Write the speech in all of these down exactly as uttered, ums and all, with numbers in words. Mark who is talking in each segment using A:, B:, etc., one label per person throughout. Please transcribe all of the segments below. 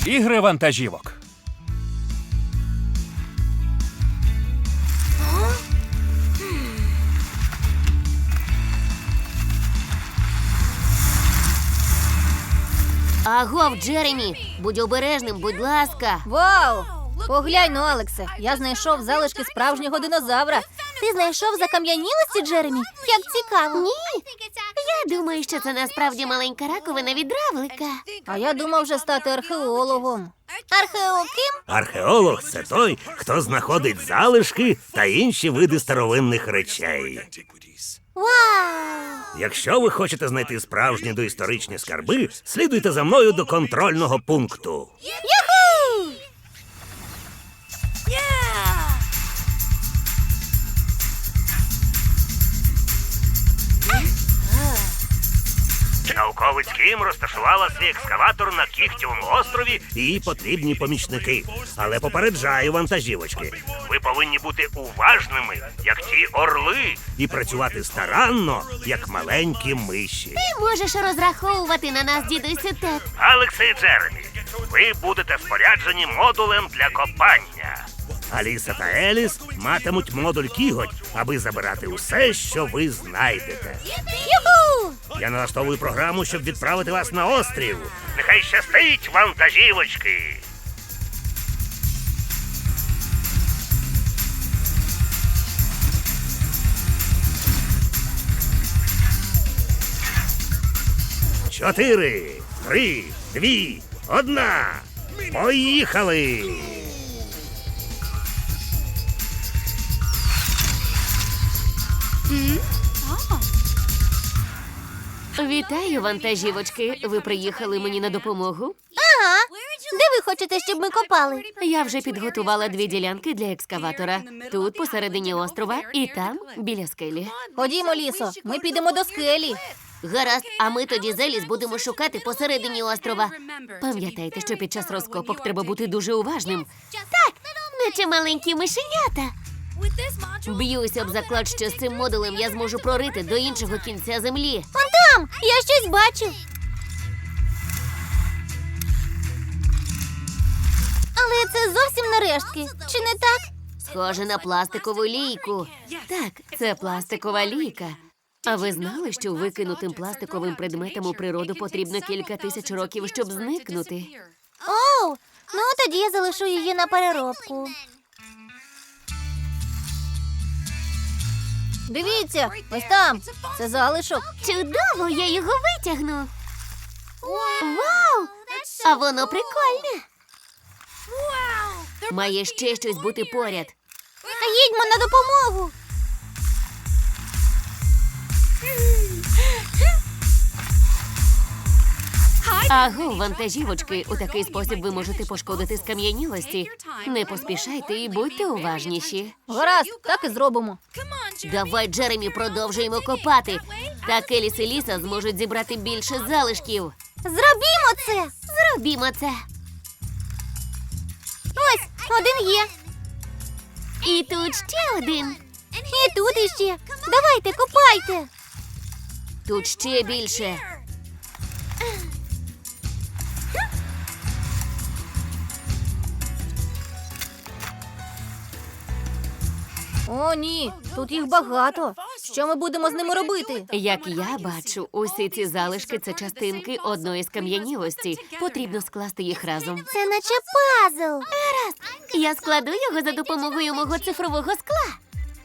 A: Ігри вантажівок.
B: Агов, Джеремі, будь обережним, будь ласка.
C: Вау! Поглянь, ну, Алексе, я знайшов залишки справжнього динозавра. Ти знайшов закам'янілості, Джеремі? Як цікаво.
B: Ні, я думаю, що це насправді маленька раковина від равлика.
C: А я думав вже стати археологом. Археолог ким?
D: Археолог – це той, хто знаходить залишки та інші види старовинних речей.
C: Вау!
D: Якщо ви хочете знайти справжні доісторичні скарби, слідуйте за мною до контрольного пункту.
C: Юху!
D: Науковець Кім розташувала свій екскаватор на Кіхтєвому острові і їй потрібні помічники. Але попереджаю, вантажівочки, ви повинні бути уважними, як ті орли, і працювати старанно, як маленькі миші.
B: Ти можеш розраховувати на нас, дідусю Тед.
D: Алексе і Джеремі, ви будете споряджені модулем для копання. Аліса та Еліс матимуть модуль кіготь, аби забирати усе, що ви знайдете.
C: Юху!
D: Я налаштовую програму, щоб відправити вас на острів. Нехай щастить, вантажівочки! Чотири, три, дві, одна. Поїхали!
B: Вітаю, вантажівочки. Ви приїхали мені на допомогу?
C: Ага. Де ви хочете, щоб ми копали?
B: Я вже підготувала дві ділянки для екскаватора. Тут, посередині острова, і там, біля скелі.
C: Ходімо, Лісо, ми підемо до скелі.
B: Гаразд, а ми тоді з Еліс будемо шукати посередині острова. Пам'ятайте, що під час розкопок треба бути дуже уважним. Так, наче маленькі мишенята. Б'юся об заклад, що з цим модулем я зможу прорити до іншого кінця землі.
C: Вон там! Я щось бачу. Але це зовсім не рештки. Чи не так?
B: Схоже на пластикову лійку. Так, це пластикова лійка. А ви знали, що викинутим пластиковим предметам у природу потрібно кілька тисяч років, щоб зникнути?
C: Оу, ну тоді я залишу її на переробку. Дивіться, ось там. Це залишок.
B: Чудово, я його витягну. Вау! А воно прикольне. Має ще щось бути поряд.
C: Їдьмо на допомогу.
B: Аго, вантажівочки, у такий спосіб ви можете пошкодити скам'янілості. Не поспішайте і будьте уважніші.
C: Гаразд, так і зробимо.
B: Давай, Джеремі, продовжуємо копати. Так Еліс і Ліса зможуть зібрати більше залишків.
C: Зробімо це.
B: Зробімо це.
C: Ось, один є.
B: І тут ще один.
C: І тут іще. Давайте, копайте.
B: Тут ще більше.
C: О, ні, тут їх багато. Що ми будемо з ними робити?
B: Як я бачу, усі ці залишки – це частинки одної скам'янілості. Потрібно скласти їх разом.
C: Це наче пазл.
B: Я складу його за допомогою мого цифрового скла.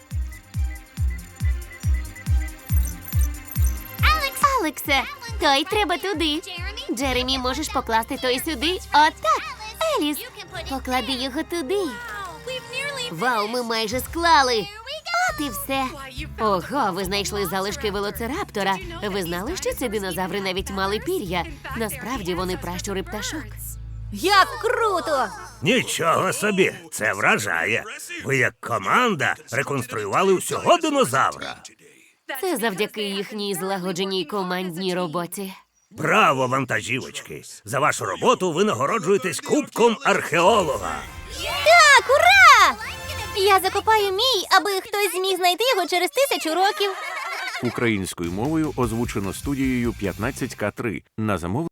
B: Алексе, той треба туди. Джеремі, можеш покласти той сюди? Отак. Еліс, поклади його туди. Вау, ми майже склали. От і все. Ого, ви знайшли залишки велоцираптора. Ви знали, що ці динозаври навіть мали пір'я? Насправді вони пращури пташок.
C: Як круто!
D: Нічого собі, це вражає. Ви як команда реконструювали всього динозавра.
B: Це завдяки їхній злагодженій командній роботі.
D: Браво, вантажівочки! За вашу роботу ви нагороджуєтесь кубком археолога.
C: Так, ура! Я закопаю мій, аби хтось зміг знайти його через тисячу років.
E: Українською мовою озвучено студією п'ятнадцять ка три на замовлення